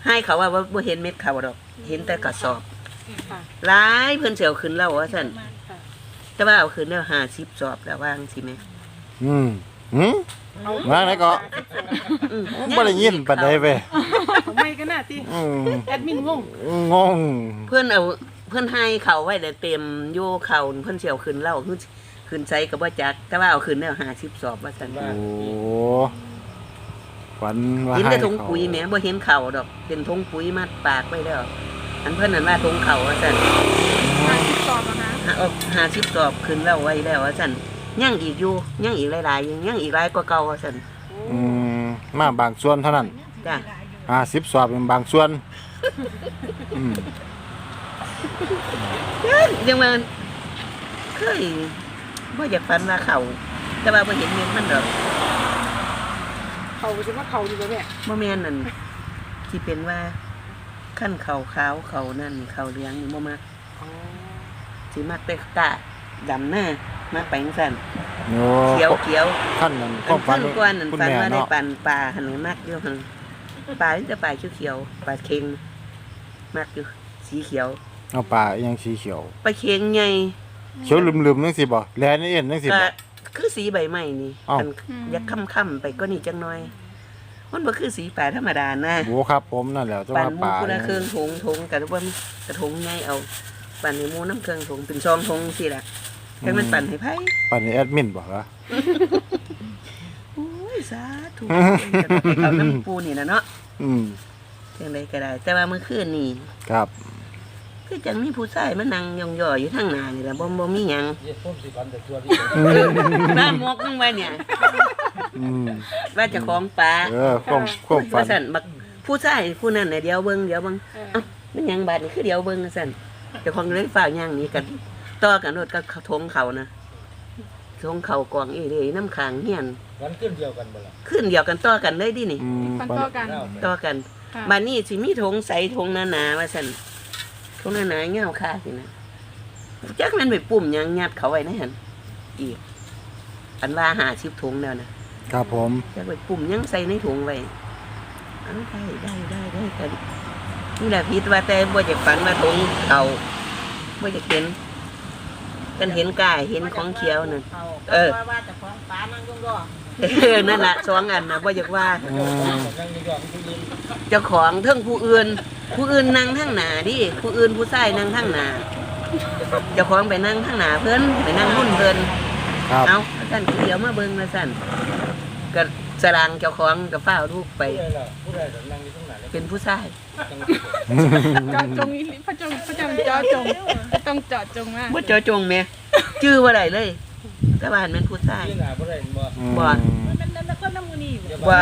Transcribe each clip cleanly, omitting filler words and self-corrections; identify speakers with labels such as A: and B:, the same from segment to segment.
A: ให้เขาว่าบ่เห็นเม็ดเขาดอกเห็นแต่กระสอบหลายเพิ่นสิเอาขึ้นแล้วว่าซั่นแต่ว่าเอาขึ้นแล้ว50สอบแล้ววางสิแม่
B: ว่าไหนก็บ่ได้ยินปานใดเว้ย
C: ไม่ก็น่าติแอดมินงง
A: เพิ่นให้เขาไว้ได้เต็มอยู่เขาเพิ่นสิเอาขึ้นแล้วขึ้นใส่ก็บ่จักแต่ว่าเอาขึ้นแล้ว50สอบว่าซั่น
B: โอ้ฝันว่า
A: เห็นแต่ถุงปุ๋ยแม่บ่เห็นเขาดอกเป็นถุงปุ๋ยมัดปากไว้แล้วอันเพิ่นนั่นว่าถุงเขาว่าซั่น
C: 50สอบแล้วนะ
A: 50สอบขึ้นแล้วไว้แล้วว่าซั่นยังอีกอยู่ยังอีกหลายๆยังอีกหลายกว่าเก่าว่าซั่น
B: มาบางส่วนเท่านั้น
A: จ้ะ
B: 50สอบเป็นบางส่วน
A: ยังว่าเคยบ่อยากฝันว่าเขาแต่ว่าบ่เห็นเม็ดมันดอก
C: เขาสิว่าเขาดีบ่แม่
A: บ่แม่นนั่นสิเป็นว่าคั่นเขาขาวเขานั่นเขาเหลืองนี่บ่มักสิมักแต่กะดำหน้ามักไปจังซั่นเขียว
B: คั่นนั่นความฝัน
A: กวนนั่นฝันว่าได้ปั่นปลาหั่นมักอยู่หั่นปลาจะปลาเขียวๆปลาเค็งมักอยู่สีเขียว
B: เอาปลายังสีเขียว
A: ปลาเค็งใหญ่
B: เขียวลืมๆจังซี่บ่แลนี่เอ็นจังซี่บ่
A: คือสีใบไม้นี่มันอยากค่ำๆไปก็นี่จังน้อยมันบ่คือสีปลาธรรมดานะ
B: โอ้ครับผมนั่นแหละจะว่าปลา
A: ปั่นเครื่องถุงกันว่ากระถุงใหญ่เอาปั่นในหมูน้ำเครื่องถุงเป็นซองถุงสิล่ะให้มันปั่นให้ไผ
B: ปั่นให้แอดมินบ่ล่ะ
A: โอ้ยสาธุเอาน้ำปูนี่นะเนาะจังได๋ก็ได้แต่ว่าเมื่อคืนนี่
B: ครับ
A: คือจังมีผู้ชายมานั่งย่อๆอยู่ทางหน้านี่ล่ะบ่มีหยังบ้านมกนึงไว้เนี่ยว่าจะของปลา
B: ความฝัน
A: ว่าซั่นบักผู้ชายผู้นั้นน่ะเดี๋ยวเบิ่งเอ้ามันหยังบาดนี่คือเดี๋ยวเบิ่งซั่นเจ้าของเลยฝากย่างนี้กันต่อกันรถก็ทงเขานะทงเขากองอีเลยน้ำค้างเฮียน
D: วันขึ้นเดียวกันบ่ล่ะ
A: ขึ้นเดียวกันต่อกันเลยดินี่
C: ต่อ
A: กันบัดนี้สิมีทงใสทงหนาๆว่าซั่นทงหนาๆเงาค่าสินะจักมันไปปุ่มหยังยัดเขาไว้ในหั่นอีกอันว่า50ถุงแล้วนะครับ
B: ผม
A: จักไปปุ่มหยังใส่ในถุงไว้ได้กันนี่แหละผิดว่าแต่บ่อยากฝันว่าถุงเขาบ่อยากเห็นกันเห็นกายเห็นของเขียวนั่นว่าแต่ของปลานั่งย่อนั่นล่ะ2อันน่ะบ่อยากว่าเจ้าของเทิงผู้อื่นนั่งทางหน้าดิผู้อื่นผู้ชายนั่งทางหน้าเจ้าของไปนั่งทางหน้าเพิ่นไปนั่งรุ่นเพิ่นเอาซั่นเดี๋ยวมาเบิ่งว่าซั่นก็สรางเจ้าของก็ฟ้าวลูกไปเป็นผู้ชาย
C: จอจงพระจงจอจงต้องเจาะจงมาก
A: บ่เจาะจงแม่ชื่อว่าได้เลยแต่ว่ามันผู้ชายบ่
C: มันนั่นก็น้ำมือนี่
A: บ่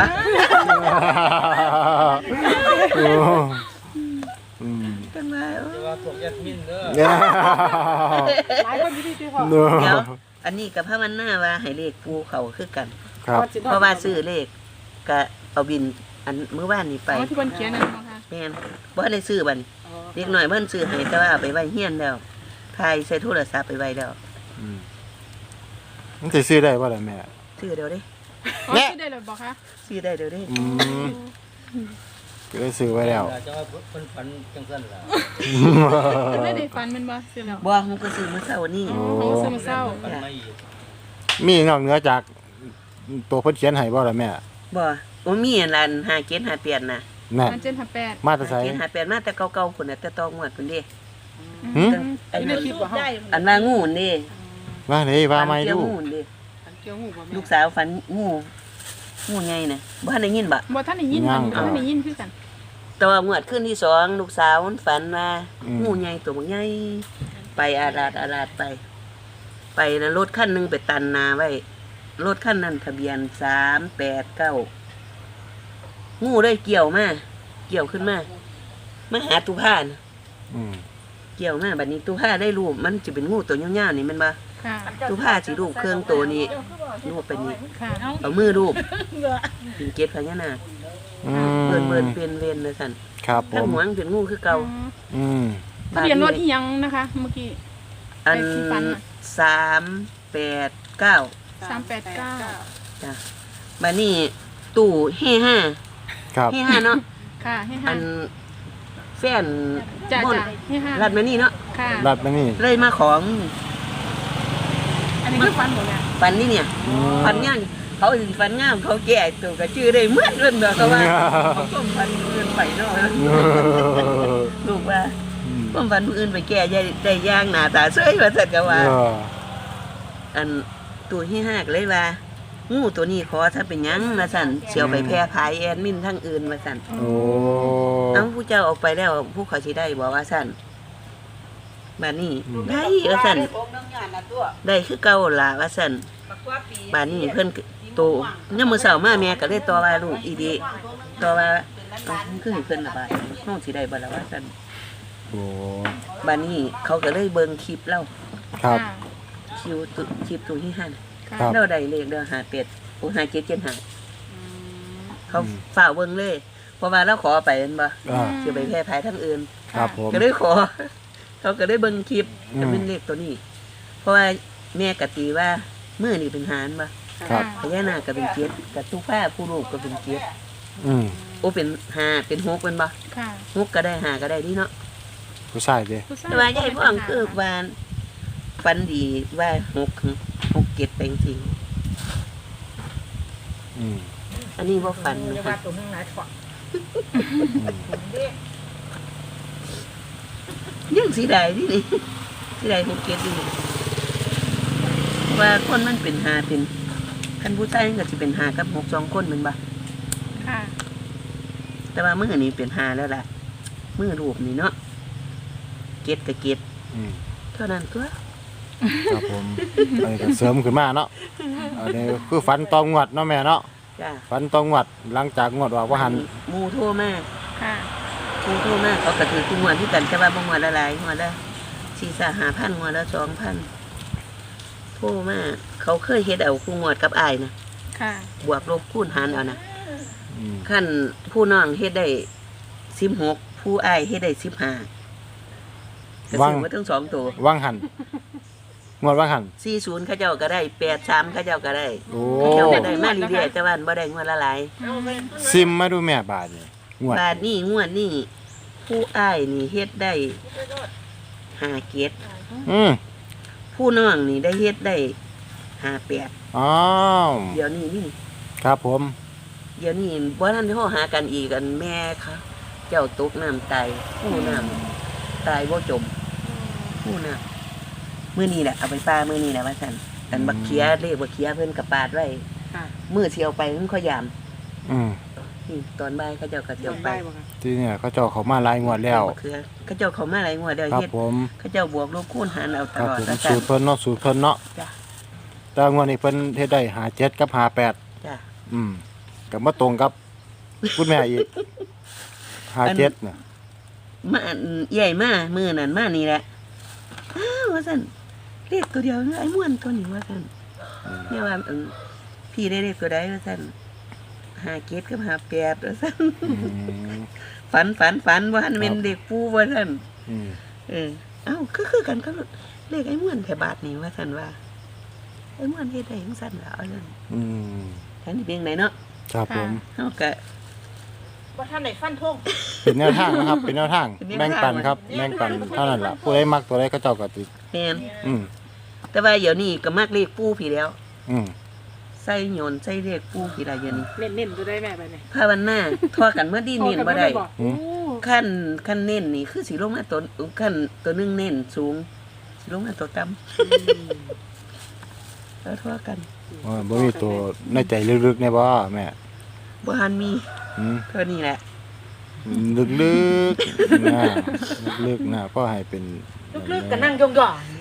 A: เป็นว่า
D: พวกแอดมินเด้อ
C: หลายคนอยู่ที่พ่อ
A: เดี๋ยวอันนี้กับพระมันหน้าว่าให้เลขปูเขาคือกันเพราะว่าซื้อเลขก็เอาบินอันมื้อวานนี้ไป
C: ที่เพิ่นเขียนนั่นค่ะ
A: แม่นบ่ได้ซื้อบัดเด็กน้อยเพิ่นซื้อให้แต่ว่าเอาไปไว้เฮียนแล้วถ่ายใส่โทรศัพท์ไปไว้แล้ว
B: มันสิซื้อได้บ่ล่ะแม่
A: ซื้อเดี๋ยวเด้
C: ซื้อได้เลยบ่คะ
A: ซื้อได้เดี๋ยวเด้
B: ก็ได้ซื้อไว้แล้ว
D: จะว่าเพิ่นฝันจังซั่นล่ะ
C: ไม่ได้ฝันมันบ่ซื้อแล้ว
A: บ่มันก็ซื้อมื้อเช้านี้
C: ซื้อมื้อเช้า
B: มีนอกเหนือจากตัวเพิ่นเขียนให้บ่ล่ะแม่
A: บ่มีอันนั้น5758น่ะ
C: 5758
B: มาแต่ไส
A: 5758มาแต่เก่าๆพุ่นน่ะแต่ตองวดพุ่นเด้
C: อันนี้คิดบ่เฮา
A: อันว่างูนี่
B: ว่าเด้ว่าไม่ดู
A: ลูกสาวฝันงูใหญ่น่ะบ่ทันได้ยินบ่
C: บ่ทันได้ยินคือกัน
A: แต่ว่างวดคืนที่2ลูกสาวมันฝันว่างูใหญ่ตัวบักใหญ่ไปอาลาดไปแล้วรถคันนึงไปตันนาไว้รถคันนั้นทะเบียน389งูได้เกี่ยวขึ้นมาหาตุภานะเกี่ยวมาบัดนี้ตุภาได้รูปมันจะเป็นงูตัวยาวๆนี่แม่นบ่ตุภาสิรูปเครื่องตัวนี้รูปไปนี่เอามือรูปเป็นเกศพญานาคเบิ่นเป็นเวนเลยซั่น
B: ครับผม
A: ถ้าหัวมันเป็นงูคือเก่า
C: ทะเบียนรถอีหยังนะคะเมื่อกี้
A: อัน389จ้ะบัดนี้ตู้เฮ5ครับเฮ5เนาะ
C: ค่ะให้ห้า
A: อันแฟน
C: จ้า
A: ม่อน
C: จ้าให้ห้า
A: รัดมานี่เนาะ
C: ค่ะ
B: รัดมานี่
A: เลยมาของ
C: อันนี้คือฟันหมดเนี่ย
A: ฟันนี่เนี่ย
B: อืม
A: ฟันย่างเขาสิฟันงามเขาแก่ตัวก็ชื่อได้เหมือนเรื่องเด้อเขาว่าเขาต้มฟันเอื่นไปเนาะลูกว่าต้มฟันผู้อื่นไปแก่ได้ย่างหน้าตาสวยว่าซั่นก็ว่า อันตัวที่ห้าก็เลยว่างูตัวนี้ขอถ้าเป็นหยังว่าซั่นเสียวไปแพร่พายแอดมินทั้งอื่นว่าซั่น
B: โอ้
A: เอ้าผู้เจ้าออกไปแล้วผู้เขาสิได้บ่ว่าซั่นบัดนี้ได้ว่าซั่นได้คือเก่าล่ะว่าซั่นบัดนี้เพิ่นโตยามมื้อเช้ามาแม่ก็เลยต่อว่าลูกอีดีต่อว่าเอ้ามันคือให้เพิ่นล่ะบาดน้องสิได้บ่ล่ะว่าซั่น
B: โอ้
A: บัดนี้เขาก็เลยเบิ่งคลิปเรา
B: ครับ
A: คลิปตัวที่ห้า
C: ค่ะ
B: ครับ
A: เราได้เลขเด้อ5 7 5เขาฝ่ากเบิ่งเลย เพราะว่าเราขอไปแม่นบ่
B: อ่า
A: สิไปแพร่ภายทั้งอื่น
B: ครับผม
A: ก็เลยขอ เขาก็ได้เบิ่งคลิป
B: อืม
A: จะเป็นเลขตัวนี้ เพราะว่าแม่กะตีว่ามื้อนี่เป็นหารบ่
B: ครับ
A: พญานาคก็เป็น7กับทุกผ้าผู้ลูกก็เป็น7
B: อืม
A: โอ้เป็น5เป็น6เป็นบ่
C: ค่ะ
A: 6ก็ได้5ก็ได้ดีเนาะ
B: ผู้ชายเด้
C: ผู้ช
A: แต่ว่ายายพ่องคือว่าฝันดีว่า6 7เป็นจริง
B: อืม
A: อันนี้บ่ฝันนะคะ ยังสีได้ที่นี่สีได้6 7นี่ว่าคนมันเป็น5เป็นคันผู้ชายมันก็สิเป็น5กับ6 2คนแม่นบ่
C: ค่ะ
A: แต่ว่ามื้อนี้เป็น5แล้วล่ะมื้อรูปนี่เนาะเก็ดกับเก็ด
B: อืม
A: เท่านั้นตัว
B: ครับผมอันนี้ก็เสริมขึ้นมาเนาะอันนี้คือฝันตองงวดเนาะแม่เนาะ
A: จ้า
B: ฝันตองงวดหลังจากงวดว่าหัน
A: หมู่โทรมา
C: ค่ะ
A: หมู่โทรมาเขาก็ถือทุกงวดที่กันแต่ว่าบ่งวดละหลายงวดละ4-5,000งวดละ 2,000โทรมาเขาเคยเฮ็ดเอาคู่งวดกับอ้ายนะ
C: ค่ะ
A: บวกลบคูณหารเอานะ
B: อืม
A: ขั้นผู้น้องเฮ็ดได้16ผู้อ้ายเฮ็ดได้15ก็ซื้อมาทั้งสองตัว
B: ว่างหันงวดว่างหัน
A: 40เขาเจ้าก็ได้83เขาเจ้าก็ได้
B: โอ้
A: เขาเจ้าก็ได้มาเรื่อยๆแต่ว่าบ่ได้งวดละหลาย
B: ซิมมาดูแม่บาทนี่งวด
A: บาทนี้งวดนี้ผู้อ้ายนี่เฮ็ดได้5เกต
B: อืม
A: ผู้น้องนี่ได้เฮ็ดได้58
B: อ้าว
A: เดี๋ยวนี้นี่
B: ครับผม
A: เดี๋ยวนี้บ่ทันโทรหากันอีกกันแม่เขาเจ้าตกน้ำตายผู้น้ำตายบ่จมผู้น้ำมื้อนี้แหละเอาไปปลามื้อนี้แหละว่าซั่นกันบักเขียเลขบักเขียเพิ่นก็ปาดไว้
C: ค่ะ
A: มื้อสิเอาไปมันค่อยยาม
B: อืม
A: นี่ตอนบ่ายเขาเจ้าก็สิเอาไป
B: ที่เนี่ยเขาเจ้าเขามาหลายงวดแล้ว
A: บักเขือเขาเจ้าเขามาหลายงวดแล้ว
B: ครับ
A: เฮ็ด
B: ผม
A: เขาเจ้าบวกลบคูณหารเอาต
B: ครับ
A: ลอด
B: ผม
A: ว่า
B: สู
A: ซั่น
B: ตรเพิ่นเนาะสูตรเพิ่นเนาะ
A: จ้ะ
B: แต่งวดนี้เพิ่นเฮ็ดได้57กับ58
A: จ้ะ
B: อืมก็มาตรงกับคุณแม่อีก57น่ะ
A: มาใหญ่มามื้อนั้นมานี่แหละอ้าวว่าซั่นเลขตัวเดียวไอ้ม่วนตัวนี้ว่าซั่นเนี่ยว่าพี่ได้เลขตัวใดว่าซั่น57กับ58ว่าซั่น
B: อืม
A: ฝันว่าหันเป็นเด็กปูว่าซั่น
B: อืม
A: เอ้าคือกันก็เลขไอ้ม่วนแถวบาทนี่ว่าซั่นว่าไอ้ม่วนเฮ็ดได้จังซั่นล่ะว่าซั่น
B: อืม
A: ท่านนี่เป็นไดเนาะ
B: ครับผม
A: เฮาก็
C: ว่าท่านไหนฟันทง
B: เป็นแนวทางนะครับ เป็นแนวทาง
A: เป็นแนวทาง
B: แบ่งปันครับแบ่งปันเท่านั้นล่ะผู้ใดมักตัวใดก็เจ้าก็ติด
A: แม่น
B: อืม
A: แต่ว่าเดี๋ยวนี้ก็มักเลขปูพี่แล้ว
B: อืม
A: ใส่โยนใส่เลขปูพี่ละเดี๋ยวนี้
C: เน้นๆตัวได้แม่ไปเนี่ย
A: ภาวนาทอกันเมื่อดีเน้นบ่ได้
C: โอ้
A: ขั้นเน้นนี่คือสิลงมาตัวขั้นตัวหนึงเน้นสูงสิลงมาตัวต่ำแล้วทอกัน
B: ว่าบ่มีตัวในใจลึกๆแน่บ่แม่
A: บ่หันมี
B: อืม
A: เท่านี้แหละ
B: ลึกๆนะลึกๆนะก็ให้เป็น
C: ลึกๆก็นั่งยอง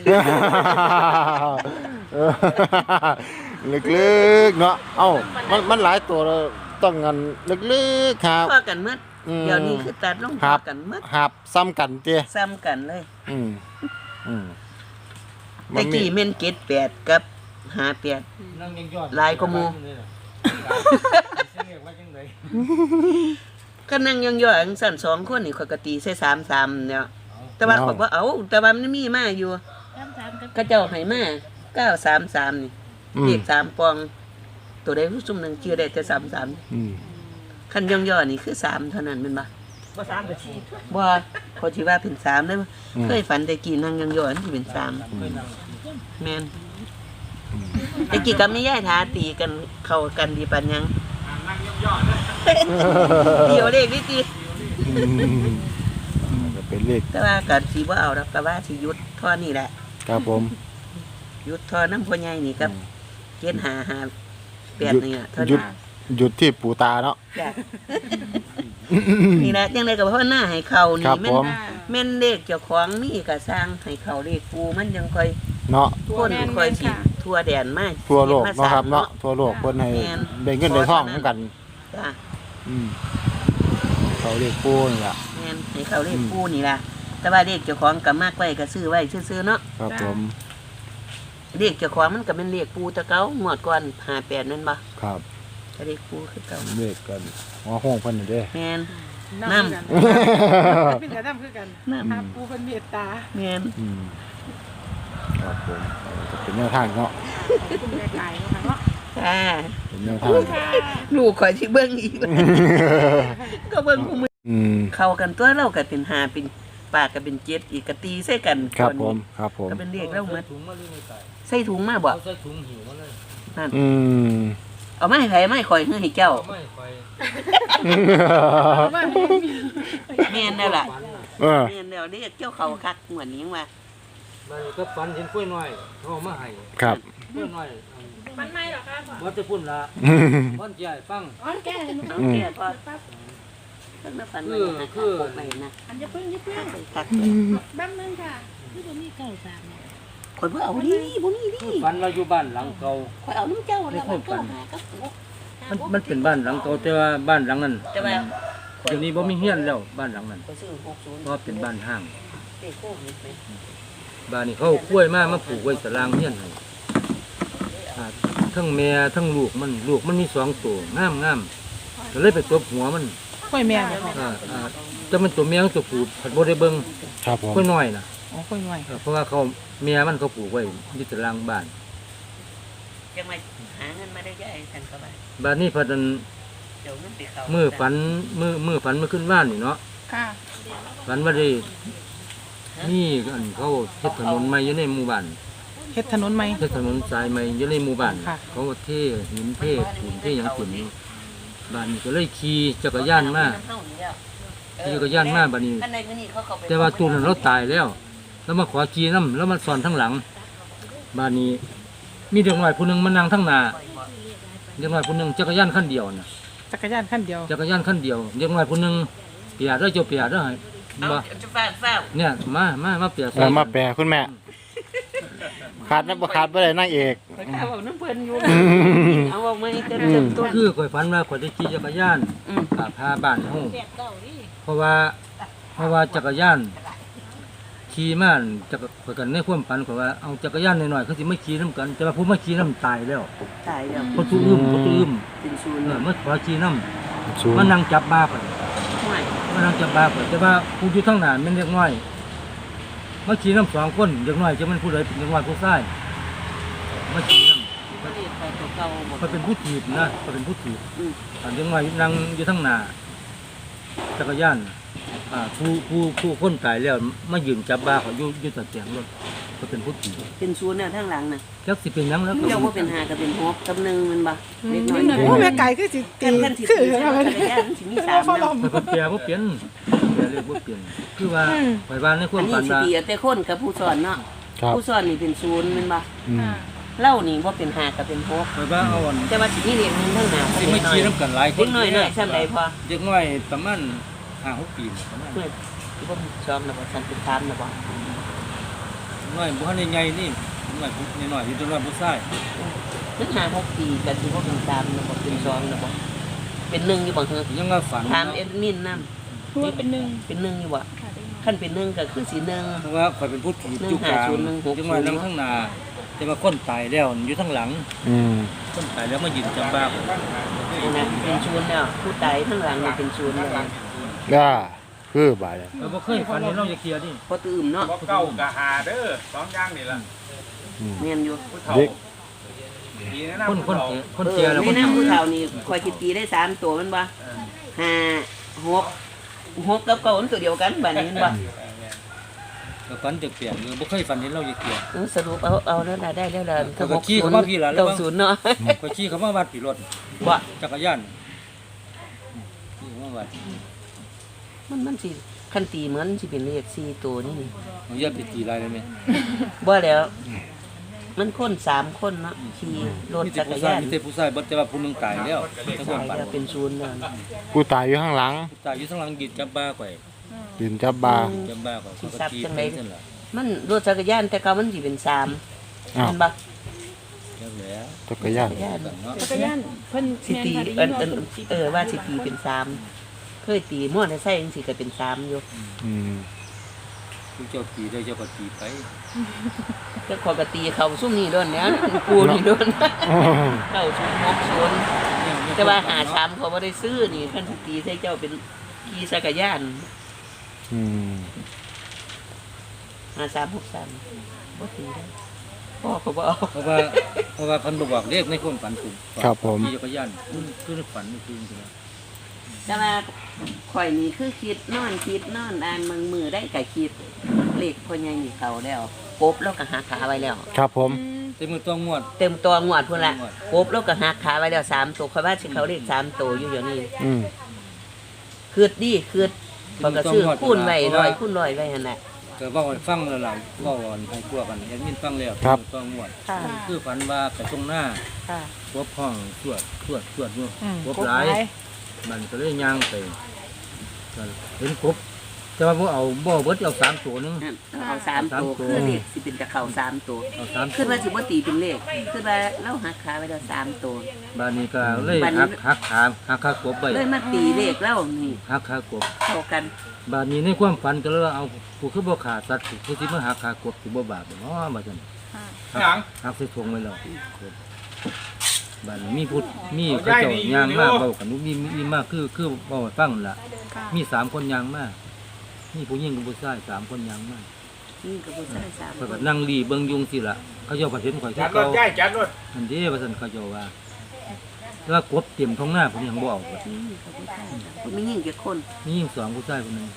B: ลึกๆเนาะเอ้ามันหลายตัวแล้วต้องงันลึกๆครับ
A: ทอกันหมด
B: อืม
A: เดี๋ยวนี้คือตัดลงท
B: ครั
A: อบ กันหมด
B: หับซ้ำกันเจ้
A: ซ้ำกันเลย
B: อืมอืม
A: ตะกี้แม่นเกต8กับ58
D: นั่งยังยอด
A: หลายกว่าหมู่
D: เรียกว่าจังได๋
A: ก็นั่งย่องๆจังซั่น2คนนี่ข้อยก็ตีใส่3-3เนี่ยแต่ว่าข้อยบ่เอาแต่ว่ามันมีมาอยู่
C: ๆ
A: เขาเจ้าให้มา933นี่
B: อืม
A: เลข3ปอง ตัวใดผู้ซุ่มหนึงชื่อได้แต่33
B: อืม
A: คันย่อๆนี่คือ3เท่านั้นแม่นบ่
D: บ่3ก็4
A: บ่เขาสิว่าเป็น3เด้อเคยฝันแต่กี้นั่งย่อๆนี่สิเป็น3แม่นแต่กี้กับแม่ยายทาตีกันเข้ากันดีปานหยังเดี๋ยวเลขนี่ติ
B: ก็เป็นเลข
A: แต่ว่าก็สิบ่เอาดอกก็ว่าสิหยุดเท่อนี้แหละ
B: ครับผม
A: หยุดเท่อน้ำพ่อใหญ่นี่กับเกณฑ์558นี่ล่ะเท่า
B: หยุ
A: นั้
B: ด
A: น
B: หยุดที่ปู่ตาเนาะ
A: จ้ะนี่แหละจังได๋ก็เพราะหน้าให้เขา
B: ครั
A: นี่
B: บ
A: แม่
B: ผ
A: น
B: ม
A: แม่นเลขเจ้าของมีก็สร้างให้เขาเลขปูมันยังค่อย
B: เนาะ
A: คนค่อยสิทั่วแดนมา
B: ทั่วโลก
A: มา
B: เนาะครับ
A: ส
B: เนาะทั่วโลกเพิ่นให้
A: แม่น
B: ได้เงินได้ทองเหมือนกัน
A: จ้ะ
B: อืมเขาเลขปู่นี่ล่ะ
A: แม่นให้เขาเลขปูนี่ล่ะแต่ว่าเลขเจ้าของก็มากไว้ก็ซื้อไว้ซื่อๆเนาะ
B: ครับผม
A: เลขเจ้าของมันก็เป็นเลขปูแตะเก่างวดก่อน58นั่นบ่
B: ครับ
A: ก็เลขปูคือเก่า
B: เลขกันหัวห้องเพิ่นนี่เด้
A: แม่น
C: น้ำ
A: น้ำ
C: เป็นกันน้ำคือกัน
A: น้ำ
C: หาปูเป็นเมตตา
A: แม่น
B: อืมครับผมก็เป็นแนวทางเนาะ
C: คุณแม่ไก่เนาะ
A: ค่ะ
B: เป็นแนวทาง
A: ลูกข่อยสิเบิ่งอีก ก็เบิ่งผู้มือ
B: อืม
A: เข้ากันตัวเราก็เป็น5เป็นปากก็เป็น7อีกก็ตีใส่กัน
B: ครับ
A: ก่อน
B: ผ
A: นี้
B: มครับผม
A: ก็เป็นเลขแล้วหมด
D: ถุงมาเลยไม่ตาย
A: ใส่ถุงมาบ่
D: เอาใส่ถุงหิวมาเลย
A: นั่น
B: อืม
A: เอามาให้ไผมาให้ข่อยให้เจ้า
D: ไม่ค่อย
C: ว่า
A: แม่นแล้วล่ะ
B: เออ
A: แม่นแล้วเรียกเจ้าเขาคักเหมือนนี้ยังว่า
D: มันก็ฝันเห็นกล้วยน้อยเอามาให้
B: ครับ
D: กล้วยน้อย
C: มันไม่หรอคะ
D: บ่จะพุ่นละบ่จะให้ฟัง
C: อ๋อแก่
A: เอาแก่พอเพิ่นมาฝันว่าจะหาปกไปนะ
C: อันจะเพิ่งจะเพิ่ง
A: คัก
C: แป๊บนึงค่ะที่ตรงนี้เก้าสาม
A: ข่อยบ่เอาดิบ่มีดิ
D: ฝันว่าอยู่บ้านหลังเก่า
A: ข่อยเอาน้ำเจ้าแล้วมันก็หากับปก
D: มันเป็นบ้านหลังเก่าแต่ว่าบ้านหลังนั้น
A: แต่ว่า
D: เดี๋ยวนี้บ่มีเฮียนแล้วบ้านหลังนั้น
A: ข่อยซื้อ60
D: เพราะเป็นบ้านห้าง
A: เลขโควิดไหม
D: บ้านนี้เขาเอากล้วยมาปลูกไว้ตารางเฮียนให้อ่าทั้งแม่ทั้งลูกมันมี2ตัวงามก็เลยไปตบหัวมัน
C: กล้วยแม่บ่ค่ะ
D: แต่มันตัวเมียกับตัวผู้ผัดบ่ได้เบิ่ง
B: ครับผม
D: กล้วยน้อยน่ะ
C: อ๋อกล้วยไว้
D: เพราะว่าเขาเมียมันเขาปลูกไว้ที่ตารางบ้าน
A: จังมาหาเงินมาได้ยายท่านก็ว่า
D: บ้านนี้พอดัน
A: เดี๋ยวเงินไปเข้า
D: มือฝันมือขึ้นบ้านนี่เนาะ
C: ค่ะ
D: ฝันว่าได้นี่อันเขาเฮ็ดถนนใหม่อยู่ในหมู่บ้าน
C: เฮ็ดถนนไหม
D: เฮ็ดถนนสายใหม่อยู่ในหมู่บ้าน
C: ค่ะ
D: เขาเทหินเทปูนเทหยังขึ้นอยู่บ้านนี้ก็เลยขี่จักรยานมาขี่จักรยานมาบัดนี้
A: อันใดมื้อนี้เขาเข้าไป
D: แต่ว่าตู้นั้นเราตายแล้ว แล้วมาขอขี่น้ำแล้วมันสอนทั้งหลังบ้านนี้ มีเด็กน้อยผู้หนึงมานั่งทั้งหน้าเด็กน้อยผู้หนึงจักรยานคันเดียวน่ะ
C: จักรยานขั้นเดียว
D: จักรยานคันเดียวเด็กน้อยผู้หนึงเปียได้เจ้าเปียได้ให้
A: เอา
D: บ่
A: จะฟ้าว
D: เนี่ยมาเปีย
B: เออมาแปลคุณแม่ ขาดนะบ่ขาดบ่ได้นางเอก
A: ๆข่อยข้าวเอาน้ำเพิ่นอยู่เอาออกมาให้เต็มต้น
D: คือข่อยฝันว่าข่อยได้ขี่จักรยาน
A: อืม
D: พาบ้านเฮาเพราะว่าจักรยานขี่มาจักรข่อยกันในความฝันข่อยว่าเอาจักรยานน้อยๆเขาสิไม่ขี่นํกัน แต่ว่าผู้มาขี่นํตายแล้ว
A: ตายแล้ว
D: เขาตู้อึ้ม
A: เป็นศูนย์
D: มาขอขี่นํ
B: สูง
D: มานั่งจับบ้าข่อย
A: ห่วย
D: มานั่งจับบ้าข่อยแต่ว่าผู้อยู่ข้างหน้าแม่นเด็กน้อยมาขี่นํ2คนเด็กน้อยจะมันผู้ใดเป็นเด็กน้อยผู้ชายมาขี่นํ
A: บ่ได้ไปตัวเก่าบ่
D: เขาเป็นผู้ถีบนะเขาเป็นผู้ถีบ
A: อืม
D: อันยังไงนั่งอยู่ทั้งหน้าจักรยานผู้คนตายแล้วมายืนจับบ้าเขาอยู่ตะเกียงรถเขาเป็นผู้ถีบ
A: เป็นศูนย์เนี่ยทางหลังน่ะ
D: จักสิเป็นหยังแล้วก็
A: เจ้าว่าเป็น5ก็เป็น6กับ1มันบ่เล็กน้อย
C: โอ้แม่ไก่คือสิตี
A: กันสิ
C: คือ
A: ตี
C: อะไร
A: จักรยานสิมี3
C: พ่อล
A: เนาะ
C: ม
D: มันเปลี่ยนบ่เปลี่ยนเปลี่ยนเลยบ่เปลี่ยนคือว่าไปบ้านในควา
A: อั
D: ม
A: นนี้
D: ฝัน
A: สิ
D: ว่า
A: ตีเอาแต่คนกับผู้สอนเนาะ
B: ครับ
A: ผู้สอนนี่เป็นศูนย์แมันบ่
B: อืม
A: เล่านี่บ่เป็น5ก็เป็น6
D: ไปบ้านเอาอัน
A: แต่ว่าสิมีเลขหนึงทางหน้า
D: สิไม่ขี่นํกันหลายค
A: เด็
D: น
A: กน้อยๆซ้ำใดพอ
D: เด็กน้อยประมาณ5-6 ปีประมาณ
A: เพื่อนที่บ่ซ้อมนะบ่ซั่นเป็นตามนะบ่
D: น้อยบ่ทันได้ใหญ่นี่น้อยผู้น้อยอยู่ตัวน้อยผู้ชาย
A: นึก5-6ปีก็สิบ่เป็นตามนะบ่เป็นซ้อมนะบ่เป็น1อยู่บ่เฮอ
D: ยังว่าฝัน
A: ถามเอ็ดมินนำ
C: พูดเป็นหนึ่ง
A: เป็น1อยู่บ่คันเป็น1ก็คือสิ1
D: เพราะว่าข่อยเป็นผู้ถีบอยู่กลาง
A: 150
D: จังว่านั่งข้างหน้าแต่ว่าคนตายแล้วอยู่ข้างหลัง
B: อืม
D: คนตายแล้วมายืนจับบ้าข่อย
A: นั่นน่ะเป็นศูนย์แล้วผู้ตายข้างหลังนี่เป็นศูนย์แล้ว
B: ก็คือบาดเลย
D: เราบ่เคยฝันเห็นเราจะเคลียร์นี่
A: พอตื่มเนาะ
E: บ่เก้ากะหาเด้อสองอย่างนี่ล่ะ
B: อืม
A: แม่นอยู่
E: ผู้เฒ่า
B: เด็ก
E: ดีแนะนำ
D: คน
E: ผู้เฒ่า
D: คนเคลียร์แล้ว
A: ใน
D: คน
A: น้ำผู้เฒ่านี่คอยคิดตีได้3ตัวมันบ่ 5 6กับ9มันตัวเดียวกันบัดนี้เห็นบ่
D: ก็ฝันเปลี่ยนๆบ่เคยฝันเห็นเราอยู่เกีย
A: สรุปเอาแล้วล่ะได้แล้วล่ะ
D: ก็ขี่เข้ามาพี่ล่ะแล้ว
A: 90เนาะ
D: ก็ขี่เข้ามาวัดพี่รถ
A: บ่
D: จักรยานขี่เข้ามาวัด
A: มันสิคันตีเหมือนสิเป็นเลข4ตัวนี่
D: เอาอย่าไปตีลายเลยแม่
A: บ่แล้ว มันคน3คนเนาะขี่รถ
D: มีแต่
A: จักร
D: ผู้ชาย
A: ยาน
D: มีแต่ผู้ชายบ่แต่ว่าผู้หนึงตายแล้วแต่ความฝัน
A: แล้วเป็นศูนย์แล้ว
B: ผู้ตายอยู่ข้างหลัง
D: ตายอยู่ข้างหลังกินจับบ้าข่อย
B: ดินจับ บา
D: จับบ้าข่อยเขาก็ขี่ไปนั่นล่ะ
A: มันรถจักรยานแต่เก่ามันสิเป็น3
B: อ้าว
A: เห็นบ่
D: จักแล้ว
B: จักรยาน
A: จักรยาน
D: เนาะ
C: จักรยานเพิ่น
A: สิตี
C: แม่นค่ะได้ยินว่า
A: ว่าสิตีเป็น3เคยตีมอเตอร์ไซค์จังซี่ก็เป็น3อยู่
B: อืม
D: ผู้เจ้าตีได้เจ้าก็ตีไป
A: ก็ขอยก็ตีเขาซุ่มนี่โดนเนี่ยกูนี่โดนเข้าชุม60แต่ว่าหา3เขาบ่ได้ซื้อนี่เพิ่นสิตีใส่เจ้าเป็นขี่จักรยาน
B: อืม
A: 5363บ่ตีได้พ่อเขาบ่เอา
D: เพราะว่าเพิ่นบ่บอกเลขในความฝันผม
B: ครับผม
D: ขี่จักรยานคือในฝันนี่คือจังซี่
A: แต่ว่าข่อยนี่คือคิดนอนอ่านมือได้ก็คิดเลขพ่อใหญ่นี่เขาแล้วกบแล้วก็หักขาไว้แล้ว
B: ครับผม
D: แต่มือต้องงวด
A: เต็มตัวงวดพุ่นละกบแล้วก็หักขาไว้แล้ว3ตัวข่อยว่าสิเขาเลข3ตัวอยู่เดี๋ยวนี้
B: อืม
A: คืดดีคืดเขาก็ซื้อคูณไว้100คูณ100ไว้หั่นน่ะ
D: ก็เว้าให้ฟังแล้วล่ะเว้าให้พวกกันแอดมินฟังแล้วมือต้องงวด
A: ค่ะ
D: คือฝันว่าไปตรงหน้า
A: ค่ะ
D: พบห้องตรวจอยู่
C: อืม
D: พบหลายมันก็เลยย่างไปก็เห็นครบแต่ว่าบ่เบิดเอา3ตัวนึง
A: เอา3ตัวคือเลขสิเป็นจะเข้า3ตัว
D: เอา3
A: คือว่าสิบ่ตีเป็นเลขคือว่าเราหักขาไว้แล้ว3ตัว
D: บ้านนี้ก็เลย
A: บ้านนี้
D: หักขากบไป
A: เลยมาตีเลขเรานี่
D: หักขากบ
A: เข้ากัน
D: บ้านนี้ในความฝันก็เลยว่าเอาผู้คือบ่ขาสัตว์ผู้ที่มาหักขากบสิบ่บาปบ่เนาะว่าซั่น
E: หยัง
D: หักใส่ถุงไว้แล้วบ้านนี้มีเขาเจ้าย่างมาเว้ากันมีมากคือเว้าให้ฟังนั่นล่ะ
C: ค่ะ
D: มี3คนย่างมามีผู้หญิงกับผู้ชาย3คนย่างมา
A: นี่ก็บ่ใช่3
D: ข้อยก็นั่งรีเบิ่งยุงสิล่ะเขาเจ้าก็เห็นข่อย
E: จั
D: คือ
E: ดร
D: เก่า
E: ถย้ายจัดรถ
D: อันนี้ว่าซั่นเขาเจ้าว่าแล้วกบเต็มท้องหน้าผมยังบ่เอาเบิด
A: นี่ก็บ่ใช่มันมียิ่งกี่คน
D: มีหญิง2ผู้ชายคนหนึง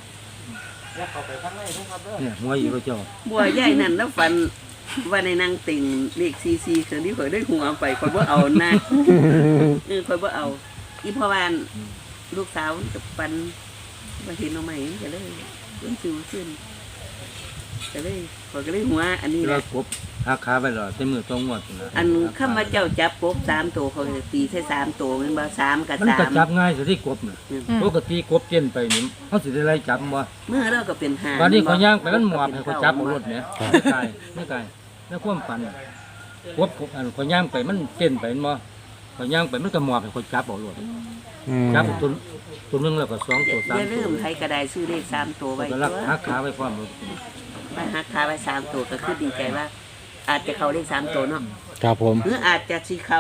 D: เนี่ยหัวอยู่เขาเจ้า
A: บัวใหญ่นั่นแล้วฝันว่าในนางติ่งเลขซีคือที่ข่อยได้หัวไปข่อยบ่เอานะข่อยบ่เอาอีพ่อบ้านลูกสาวกับปันมาเห็นเอาใหม่ก็เลยซิวขึ้นก็เลยข่อยก็เลยหัวอันนี้
D: แล้
A: นะ
D: วกบหักขาไปแล้วแต่มือต้องงวดพุ่นน่ะ
A: อันคำว่าเจ้าจับกบ3ตัวเขาจะตีใส่3ตัวแม่นบ่3กับ
D: มันก็จับ
A: 3
D: ง่ายสิที่กบน่ะปกติกบเต้นไปนี่เฮาสิได้ไล่จับบ่
A: เมื่อเราก็เป็น5
D: วันนี้เขาย่างไปมันหมอบให้เขาจับเอารถเนี่ยไม่ไกลแล้วความฝันกบอันเขาย่างไปมันเต้นไปบ่เขาย่างไปมันก็หมอบให้เขาจับเอารถ
B: อืม
D: จับตัวนึงแล้วก็2ตัว
A: อย่า
D: 3
A: ลื
D: ตัว
A: มใครก็ได้ซื้อเลข3ตัวไว้
D: ก็
A: ตั
D: รัก
A: ว
D: หักขาไว้พร้อม
A: ไปหักขาไว้3ตัวก็คือดีใจว่า อาจจะเข้าเลข3ตัวเนาะ
B: ครับผม
A: หรืออาจจะสิเข้า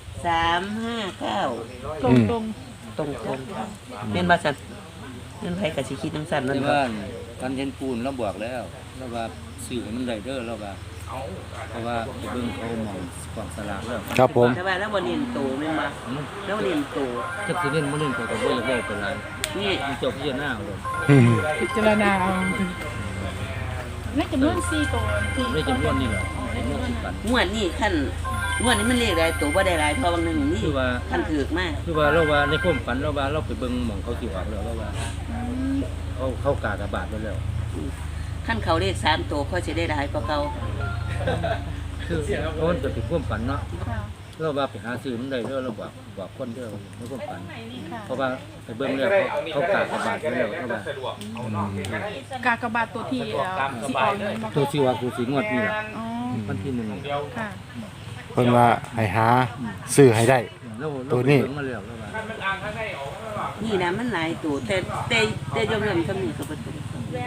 A: 359
C: ตรงตรง
A: ตรงๆแม่นบ่ซั่นเงินไผก็สิคิดจังซั่นนั่
D: แต่
A: นบ่
D: ว่าการเห็นปูนเราบอกแล้วเราว่าซื้อให้มันได้เด้อเราว่าเพราะว่าไปเบิ่งเขาหมองกองสลากแล้ว
B: ครับผม
A: แต่ว่าแล้วบ่เน้นโตแม่นบ่แล้วเน้นโต
D: จักสิเล่นบ่เล่นก็บ่อยากได้ไปหลาย
A: นี่
D: มันเจ้าพิจารณาเอาเลย
B: อืม
C: พิจารณาเอาในจำนวน4ตัวที่
D: ไม่จำนวนนี่แหละจำนวน10 ปัน
A: งวดนี้คันงวดนี้มันเลขหลายตัวบ่ได้หลายเพราะบางนึงนี่
D: คือว่า
A: คันถูกมาก
D: คือว่าเราว่าในความฝันเราว่าเราไปเบิ่งหม่องเขาสิออกแล้วเราว่าเขากากบาทไว้แล้ว
A: คันเขาเลข3ตัวเขาสิได้หลายกว่าเก่า
D: คือเพราะมันจะเป็นความฝันเนาะ
C: ค่ะ
D: เราว่าไปหาซื้อมันได้เด้อเราบอกคนเด้อในความฝัน
C: ค่ะ
D: เพราะว่าไปเบิ่งแล้วเขากากบาทไว้แล้วเราว่า
C: กากบาทตัวที่สิออกเงินมา
D: ตัวสิว่าตัวสิงวดนี่ล่ะ
C: อ๋อ
D: วันที่
C: ค่ะ
B: เพิ่นว่าให้หาซื้อให้ได้
D: 1เรา
B: ตัวนี้
D: ไปเบิ่งมาแล้วเราว่า
A: นี่นะมันหลายตัวแต่ยอมๆซำนี้ก็บ่ถูก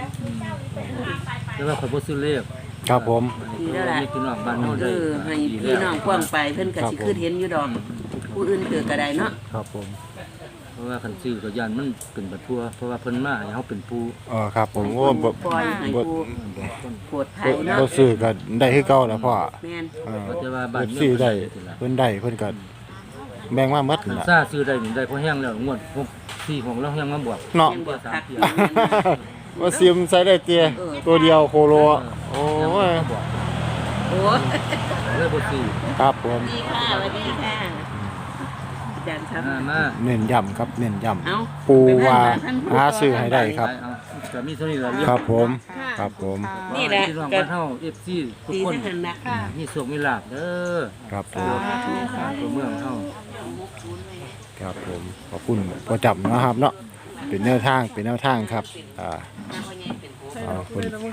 D: แต่ว่าเขาบ่ซื้อเลข
B: ครับผม
A: ดีแล้วล่ะ
D: ให้พี่น้องบ้านเฮาได้
A: ให้พี่น้องกว้างไปเพิ่นก็สิคือเห็นอยู่ดอก ผู้อื่นเกิดก็ได้เนาะ
B: ครับผม
D: เพราะว่าคันซื้อก็ย่านมันเป็นบัดทั่วเพราะว่าเพิ่นมาให้เฮาเป็นผู้
B: ครับผมโอ้บ่
A: ปล่อยให้ผู้
D: บอกคน
A: ปวดภัยเนาะ
B: บ่ซื้อก็ได้คือเก่าแล้วพ่อ
A: แม่น
B: เออ
D: แต่ว่าบ้าน
B: เพิ่นซื้อได้เพิ่นได้เพิ่นก็แบ่งมาหมดนั่นล่ะ
D: ซ่าซื้อได้นี่ได้พอแห้งแล้วงวด6 4ของเราแห้งมาบวก
B: เนาะ
A: ยังบอกคักอยู่
B: ว่าซิมใส่ได้เตียตัวเดียวโคโลโอ้ย
A: โอ้
D: เลยบ่ซื้อ
B: ครับผม
A: ดีค่ะสวัสดีค่ะอาจารย์ครับ
D: มา
B: เน้นย้ำครับเน้นย้
A: เอ้า
B: ำปูว่าหาซื้อให้ได้ครับ
D: เอาก็มีเท่านี้ล่ะเรื่อง
B: ครับผมครับผม
A: นี่แหละ
D: พี่น้องบ้านเฮา FC ทุก
A: ดี
D: คน
A: ทั้งนั้นนะ
D: มีโชคมีลาภเด้อ
B: ครับผม
D: ตัวเมืองเฮา
B: ครับผมขอบคุณพอจำนะครับเนาะเป็นแนวทางครับขอบคุณ